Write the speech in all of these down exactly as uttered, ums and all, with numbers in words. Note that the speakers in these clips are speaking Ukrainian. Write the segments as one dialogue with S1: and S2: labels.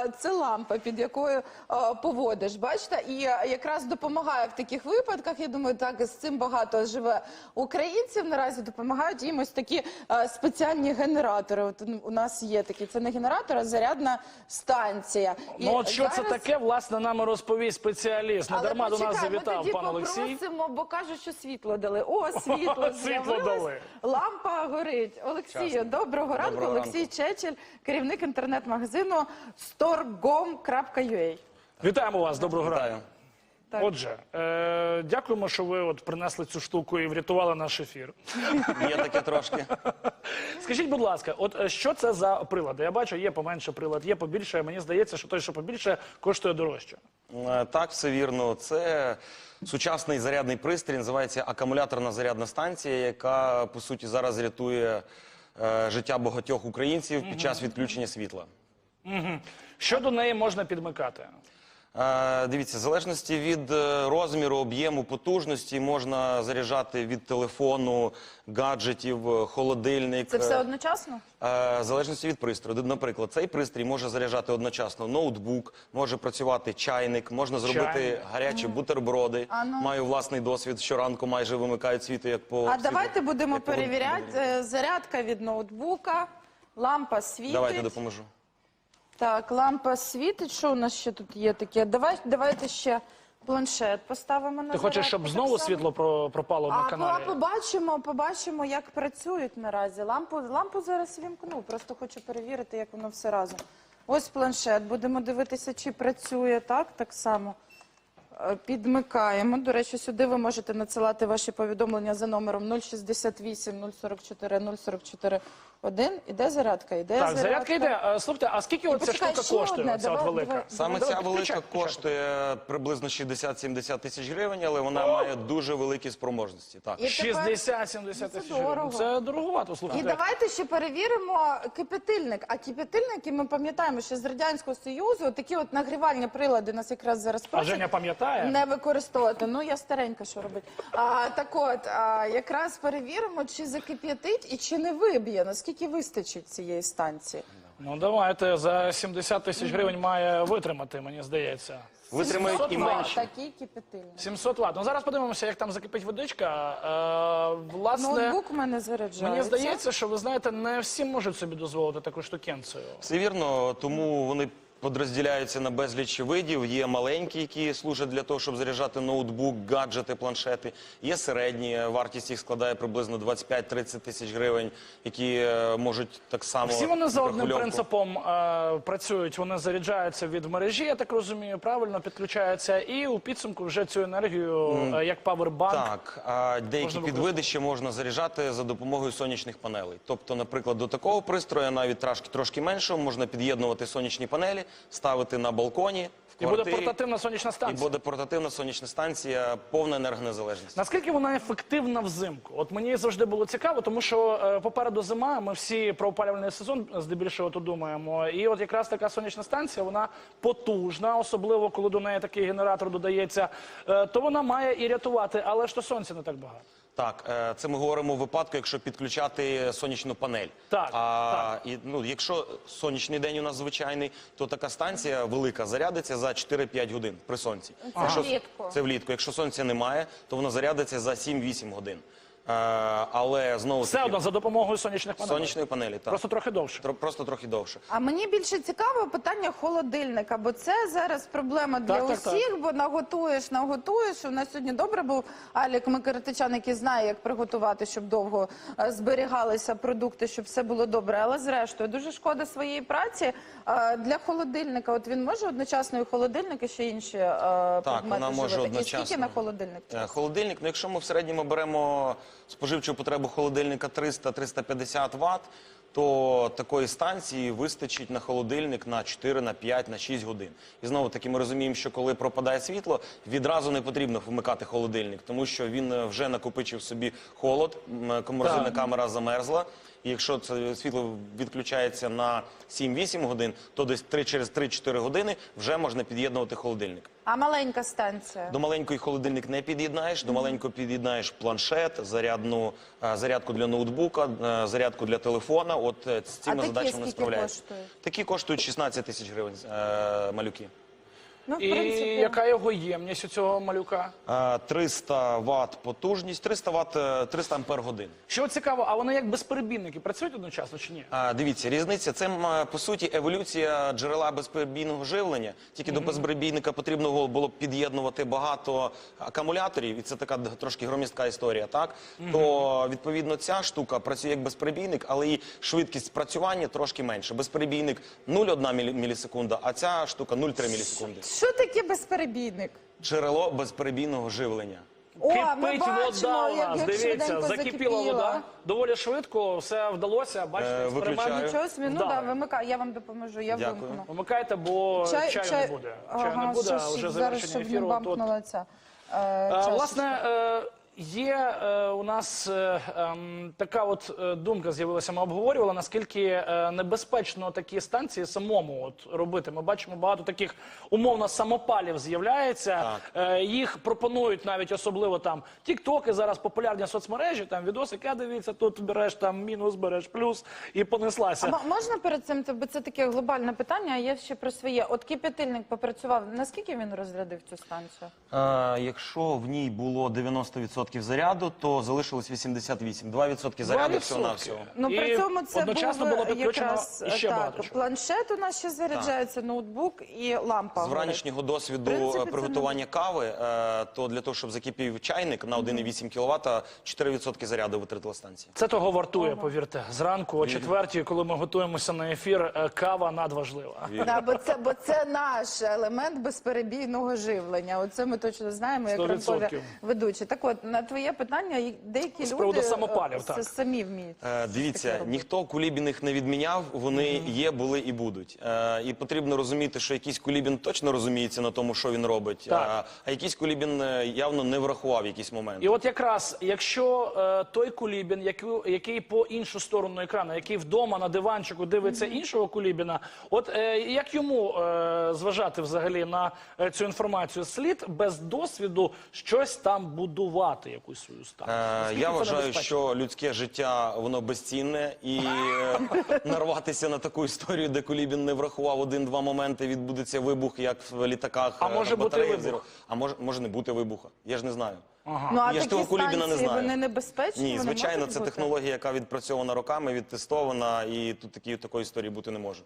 S1: це лампа, під якою а, поводиш, бачите? І а, якраз допомагає в таких випадках, я думаю, так, з цим багато живе українців, наразі допомагають їм ось такі а, спеціальні генератори. От у нас є такі, це не генератор, а зарядна станція. І
S2: Ну от що
S1: зараз...
S2: це таке, власне, нам розповість спеціаліст. Не
S1: Але
S2: дарма до нас
S1: почекай,
S2: завітав
S1: ми тоді
S2: пан Олексій.
S1: попросимо, бо кажуть, що світло дали. О, світло
S2: Світло дали.
S1: з'явилось, лампа горить. Олексію, доброго ранку.
S3: Доброго
S1: Олексій
S3: ранку.
S1: Чечель, керівник інтернет-магазину storgom крапка ю а.
S2: Вітаємо вас, доброго ранку.
S3: Вітаю.
S1: Так.
S2: Отже, е, дякуємо, що ви от принесли цю штуку і врятували наш ефір.
S3: Є таке трошки.
S2: Скажіть, будь ласка, от е, що це за прилади? Я бачу, є поменше прилад, є побільше. Мені здається, що той, що побільше, коштує дорожче.
S3: Е, Так, все вірно. Це сучасний зарядний пристрій, називається акумуляторна зарядна станція, яка, по суті, зараз рятує е, життя багатьох українців під час відключення світла.
S2: Угу. Що до неї можна підмикати?
S3: Е, Дивіться, в залежності від е, розміру, об'єму, потужності можна заряджати від телефону, гаджетів, е, холодильник.
S1: Це все
S3: е,
S1: одночасно?
S3: Е, В залежності від пристрою. Наприклад, цей пристрій може заряджати одночасно ноутбук, може працювати чайник, можна зробити
S2: Чайник.
S3: гарячі бутерброди.
S1: А ну.
S3: Маю власний досвід, щоранку майже вимикають світло, як по
S1: А
S3: світлу,
S1: давайте будемо
S3: як по
S1: перевіряти.
S3: годині.
S1: Е, Зарядка від ноутбука, лампа світить.
S3: Давайте допоможу.
S1: Так, лампа світить. Що у нас ще тут є таке? Давай, давайте ще планшет поставимо на
S2: Ти хочеш,
S1: зарядку,
S2: щоб
S1: так
S2: знову
S1: само.
S2: світло про- пропало на
S1: А
S2: каналі?
S1: по- побачимо, побачимо, як працюють наразі. Лампу, лампу зараз вімкну, просто хочу перевірити, як воно все разом. Ось планшет, будемо дивитися, чи працює так, так само. Е, Підмикаємо. До речі, сюди ви можете надсилати ваші повідомлення за номером нуль шістдесят вісім нуль сорок чотири нуль сорок чотири один. Іде зарядка, іде
S2: Так,
S1: зарядка.
S2: зарядка йде. Е, Слухайте, а скільки оця
S1: почекай,
S2: штука
S1: ще
S2: коштує,
S1: одне,
S2: оця от
S1: давай,
S2: велика?
S1: давай.
S3: Саме
S2: Давай,
S3: ця велика
S2: включай, включай.
S3: коштує приблизно шістдесят-сімдесят тисяч гривень, але вона має дуже великі спроможності. Так.
S1: І тепер-
S2: шістдесят-сімдесят
S1: Це
S2: тисяч гривень.
S1: дорого.
S2: Це дороговато,
S1: І
S2: слухайте.
S1: давайте ще перевіримо кипятильник. А кипятильники, ми пам'ятаємо, що з Радянського Союзу такі от нагрівальні прилади нас якраз зараз
S2: А
S1: просять
S2: Женя пам'ятає?
S1: не використовувати. Ну, я старенька, що робить. А, так от, а, якраз перевіримо, чи закип'ятить і чи не виб'є, наскільки вистачить цієї станції.
S2: Ну давайте, за сімдесят тисяч гривень має витримати, мені здається.
S3: Витримають і
S2: сімсот
S3: менше.
S1: Такий кипятильник.
S2: сімсот ватт. Ну зараз подивимося, як там закипить водичка. Е, власне,
S1: Ноутбук у мене заряджається.
S2: мені здається, що ви знаєте, не всі можуть собі дозволити таку штукенцію.
S3: Все вірно, тому вони подрозділяються на безліч видів. Є маленькі, які служать для того, щоб заряджати ноутбук, гаджети, планшети. Є середні, вартість їх складає приблизно двадцять п'ять-тридцять тисяч гривень, які е, можуть так само...
S2: Всі вони за одним
S3: регульовку.
S2: принципом е, працюють. Вони заряджаються від мережі, я так розумію, правильно підключаються, і у підсумку вже цю енергію, е, як павербанк.
S3: Так, а деякі
S2: Можна
S3: підвиди ще можна заряджати за допомогою сонячних панелей. Тобто, наприклад, до такого пристрою, навіть трошки, трошки меншого, можна під'єднувати сонячні панелі, ставити на балконі, в
S2: І буде
S3: квартирі.
S2: портативна сонячна
S3: І
S2: станція.
S3: буде портативна сонячна станція, повна енергонезалежність.
S2: Наскільки вона ефективна взимку? От мені завжди було цікаво, тому що е, попереду зима, ми всі про опалювальний сезон здебільшого тут думаємо. І от якраз така сонячна станція, вона потужна, особливо коли до неї такий генератор додається, е, то вона має і рятувати, але ж то сонця не так багато.
S3: Так, е, це ми говоримо у випадку, якщо підключати сонячну панель.
S2: Так,
S3: а, І, ну, якщо сонячний день у нас звичайний, то така станція велика зарядиться за чотири-п'ять годин при сонці.
S1: Це
S3: Якщо-
S1: влітку.
S3: Це влітку. Якщо сонця немає, то вона зарядиться за сім-вісім годин. Е, але знову
S2: Все одно за допомогою сонячних панелей.
S3: сонячної панелі. Так.
S2: Просто трохи довше.
S3: Тро- Просто трохи довше.
S1: А мені більше цікаво питання холодильника, бо це зараз проблема для
S2: Так, так, так.
S1: усіх, бо наготуєш, наготуєш. У нас сьогодні добре був Алік Микритичан, який знає, як приготувати, щоб довго е, зберігалися продукти, щоб все було добре. Але зрештою, дуже шкода своєї праці. Е, Для холодильника, от він може одночасно і холодильник, і ще інші е, предмети
S3: вона може
S1: живити? І
S3: одночасно.
S1: скільки на холодильник?
S3: Е, Холодильник, ну якщо ми в середньому беремо споживчу потребу холодильника триста-триста п'ятдесят ватт, то такої станції вистачить на холодильник на чотири, на п'ять, на шість годин. І знову таки ми розуміємо, що коли пропадає світло, відразу не потрібно вмикати холодильник, тому що він е, вже накопичив собі холод, м, морозильна
S2: Так.
S3: камера замерзла, І якщо це світло відключається на сім-вісім годин, то десь три, через три-чотири години вже можна під'єднувати холодильник.
S1: А маленька станція?
S3: До маленької холодильник не під'єднаєш, до маленького під'єднаєш планшет, зарядну, е, зарядку для ноутбука, е, зарядку для телефона. От е, з цими
S1: такі
S3: задачами
S1: скільки
S3: справляються.
S1: коштують?
S3: Такі коштують шістнадцять тисяч гривень е, малюки.
S1: Ну, в
S2: І
S1: принципі.
S2: яка його ємність у цього малюка?
S3: Е, триста ватт потужність, триста ватт, е, триста ампер годин.
S2: Що цікаво, а вони як безперебійники працюють одночасно чи ні?
S3: А, дивіться, різниця. Це, м, по суті, еволюція джерела безперебійного живлення. Тільки до безперебійника потрібно було б під'єднувати багато акумуляторів, і це така д- трошки громістка історія, так? То, відповідно, ця штука працює як безперебійник, але і швидкість спрацювання трошки менше. Безперебійник нуль цілих одна мілі- мілісекунда, а ця штука нуль цілих три мілісекунди.
S1: Що таке безперебійник?
S3: Джерело безперебійного живлення.
S1: О, ми
S2: Кипить
S1: бачимо,
S2: вода у
S1: як,
S2: нас,
S1: як
S2: дивіться,
S1: швиденько
S2: закипіла
S1: закипіла.
S2: вода. Доволі швидко, все вдалося, бачите,
S3: Е,
S2: експеримент.
S3: виключаю.
S1: Нічого собі, ну
S2: Вдалий.
S1: да, вимикай, я вам допоможу, я
S3: Дякую.
S1: вимкну.
S2: Вимикайте, бо чаю не буде. Чаю не буде, а вже
S1: зараз,
S2: завершення
S1: щоб не
S2: ефіру. От, от.
S1: бамкнула ця е,
S2: Е,
S1: чашечка.
S2: Власне, е, є е, у нас е, ем, така от е, думка з'явилася, ми обговорювали, наскільки е, небезпечно такі станції самому от робити. Ми бачимо, багато таких умовно самопалів з'являється. Е, їх пропонують навіть особливо там тіктоки, зараз популярні соцмережі, там відосики, а дивіться, тут береш там мінус, береш плюс і понеслася.
S1: А м- можна перед цим, бо це таке глобальне питання, а є ще про своє. От кип'ятильник попрацював, наскільки він розрядив цю станцію?
S3: А, якщо в ній було дев'яносто відсотків заряду, то залишилось вісімдесят вісім. два відсотки заряду всього-навсього.
S1: Ну,
S2: І
S1: при цьому це
S2: одночасно
S1: був
S2: було підключено
S1: якраз
S2: іще
S1: так,
S2: багато чого.
S1: планшет у нас ще заряджається, ноутбук і лампа.
S3: З вранішнього досвіду
S1: В принципі, це
S3: приготування кави, е, то для того, щоб закипів чайник на один цілих вісім кіловата, чотири відсотки заряду витратила станція.
S2: Це того вартує, повірте. Зранку о четвертій, коли ми готуємося на ефір, е, кава надважлива.
S1: Да, бо це, бо це наш елемент безперебійного живлення. Оце ми точно знаємо, як
S2: сто
S1: ранкові
S2: відсотків.
S1: ведучі. Так от, на твоє питання, і деякі
S2: З приводу
S1: люди
S2: самопалів,
S1: е,
S2: так.
S1: це самі вміють.
S3: Е,
S1: таке
S3: Дивіться,
S1: робити.
S3: ніхто кулібіних не відміняв, вони є, були і будуть. Е, І потрібно розуміти, що якийсь кулібін точно розуміється на тому, що він робить,
S2: Так.
S3: а, а якийсь кулібін е, явно не врахував якийсь момент.
S2: І от якраз, якщо е, той кулібін, який, який по іншу сторону екрану, який вдома на диванчику дивиться іншого кулібіна, от е, як йому е, зважати взагалі на е, цю інформацію? Слід без досвіду щось там будувати, якусь свою станцію?
S3: Е,
S2: Наскільки
S3: Я
S2: це
S3: вважаю,
S2: небезпечно?
S3: що людське життя воно безцінне, і е, нарватися на таку історію, де Кулібін не врахував один-два моменти, відбудеться вибух, як в літаках.
S2: А
S3: е,
S2: може бути
S3: батареї
S2: вибух?
S3: взірвав. А може, може не бути вибуха. Я ж не знаю.
S1: Ну, а
S3: Я ж
S1: такі
S3: того Кулібіна не
S1: станції,
S3: знаю.
S1: вони небезпечні?
S3: Ні,
S1: Вони
S3: звичайно,
S1: можуть
S3: це
S1: бути?
S3: технологія, яка відпрацьована роками, відтестована, і тут такі, такої історії бути не може.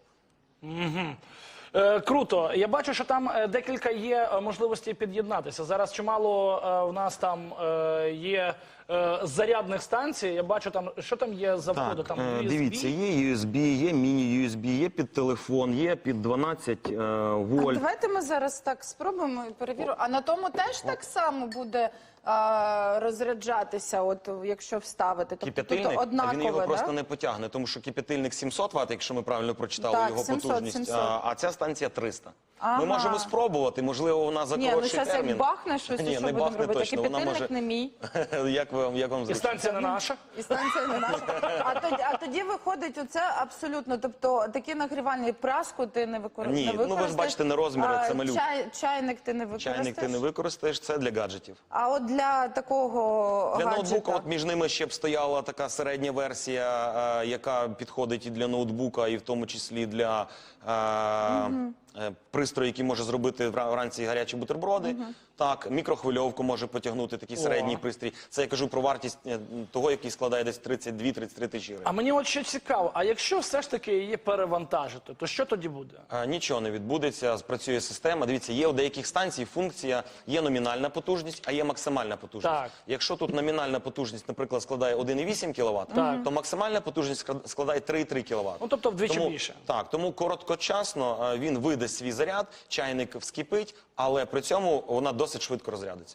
S2: Е, Круто. Я бачу, що там е, декілька є е, можливостей під'єднатися. Зараз чимало е, в нас там е, є е, зарядних станцій. Я бачу там, що там є за входи? Там
S3: е,
S2: ю ес бі?
S3: дивіться, є ю ес бі, є міні-ю ес бі, є під телефон, є під дванадцять е,
S1: А
S3: вольт.
S1: давайте ми зараз так спробуємо і перевіримо. А на тому теж так само буде а, розряджатися, от якщо вставити. Тобто,
S3: Кип'ятильник,
S1: тобто
S3: а
S1: однаково,
S3: він його
S1: да?
S3: просто не потягне, тому що кип'ятильник сімсот ватт, якщо ми правильно прочитали
S1: Так,
S3: його
S1: сімсот,
S3: потужність,
S1: сімсот.
S3: А, а ця станція триста.
S1: Ага.
S3: Ми можемо спробувати, можливо, вона за
S1: Ні, ну
S3: коротший
S1: зараз
S3: термін.
S1: як бахне щось,
S3: Ні,
S1: і що
S3: не
S1: будемо
S3: бахне
S1: робити?
S3: точно, вона
S1: Кип'ятильник
S3: може...
S1: не мій.
S3: як вам, як вам
S2: І
S3: зручно?
S2: станція не наша.
S1: І станція не наша. А тоді, а тоді виходить оце абсолютно, тобто такі нагрівальні праску ти не, викор...
S3: Ні,
S1: не
S3: ну ви ж
S1: використаєш.
S3: бачите, не розміри,
S1: а,
S3: це малюк.
S1: Чай, чайник ти не використаєш.
S3: Чайник ти не використаєш, це для гаджетів.
S1: А от для такого
S3: Для
S1: гаджета?
S3: ноутбука от між ними ще б стояла така середня версія, е, яка підходить і для ноутбука, і в тому числі для е, е, пристрою, який може зробити вра- вранці гарячі бутерброди. Так, мікрохвильовку може потягнути такий середній пристрій. Це я кажу про вартість е, того, який складає десь тридцять дві - тридцять три тисячі
S2: А
S3: гривень.
S2: мені от ще цікаво, а якщо все ж таки її перевантажити, то що тоді буде?
S3: Е, Нічого не відбудеться, спрацює система. Дивіться, є у деяких станцій функція, є номінальна потужність, а є максимальна потужність.
S2: Так.
S3: Якщо тут номінальна потужність, наприклад, складає один цілих вісім кіловат,
S2: Так.
S3: то максимальна потужність склад- складає три цілих три кіловат.
S2: Ну, тобто вдвічі
S3: тому,
S2: більше.
S3: Так, тому короткочасно е, він видасть свій заряд, чайник вскипить, але при цьому вона досить швидко розрядиться.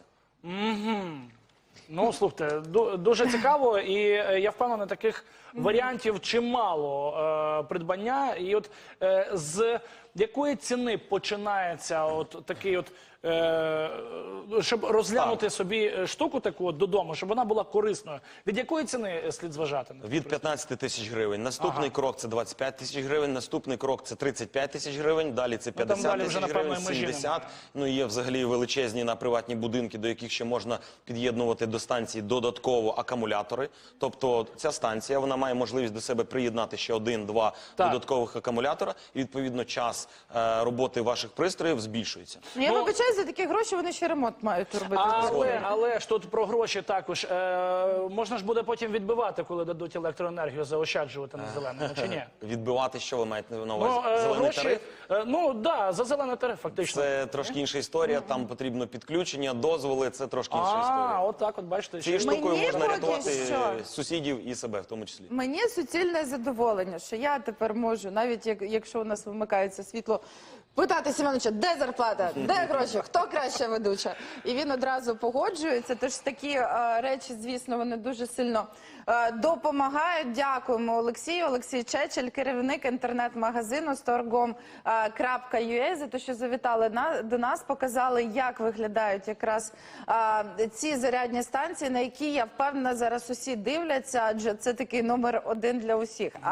S2: Ну, слухайте, ду- дуже цікаво, і е, я впевнений, таких варіантів чимало е, придбання. І от е, з якої ціни починається от такий от, е, щоб розглянути собі штуку таку от додому, щоб вона була корисною? Від якої ціни слід зважати?
S3: Від п'ятнадцяти тисяч гривень. Наступний крок – це двадцять п'ять тисяч гривень. Наступний крок – це тридцять п'ять тисяч гривень. Далі це
S2: там
S3: п'ятдесят
S2: далі вже,
S3: тисяч
S2: напевно,
S3: гривень,
S2: і межі
S3: сімдесят.
S2: немає.
S3: Ну, і є взагалі величезні на приватні будинки, до яких ще можна під'єднувати до станції додатково акумулятори. Тобто ця станція, вона має можливість до себе приєднати ще один-два
S2: Так.
S3: додаткових акумулятора. І, відповідно, час е, роботи ваших пристроїв збільшується.
S1: Ну, я
S2: Ну,
S1: вибачаю, за такі гроші вони ще ремонт мають робити.
S2: Але, але ж тут про гроші також. Е, можна ж буде потім відбивати, коли дадуть електроенергію, заощаджувати на зеленому, чи ні?
S3: Відбивати, що ви маєте на увазі?
S2: Ну, е,
S3: Зелений
S2: гроші,
S3: тариф?
S2: е, ну, да, за зелений тариф, фактично.
S3: Це трошки інша історія, там потрібно підключення, дозволи, це трошки інша
S2: А,
S3: історія.
S2: от так от, бачите.
S3: Цією
S2: ще-
S3: штукою
S1: Мені
S3: можна
S1: поки
S3: рятувати
S1: що.
S3: сусідів і себе в тому числі.
S1: Мені суцільне задоволення, що я тепер можу, навіть як, якщо у нас вимикається світло, питати Семеновича, де зарплата, де гроші, хто краща ведуча? І він одразу погоджується. Тож такі е, речі, звісно, вони дуже сильно е, допомагають. Дякуємо Олексію. Олексій Чечель, керівник інтернет-магазину storgom крапка ю а, за те, що завітали на, до нас, показали, як виглядають якраз е, ці зарядні станції, на які, я впевнена, зараз усі дивляться, адже це такий номер один для усіх.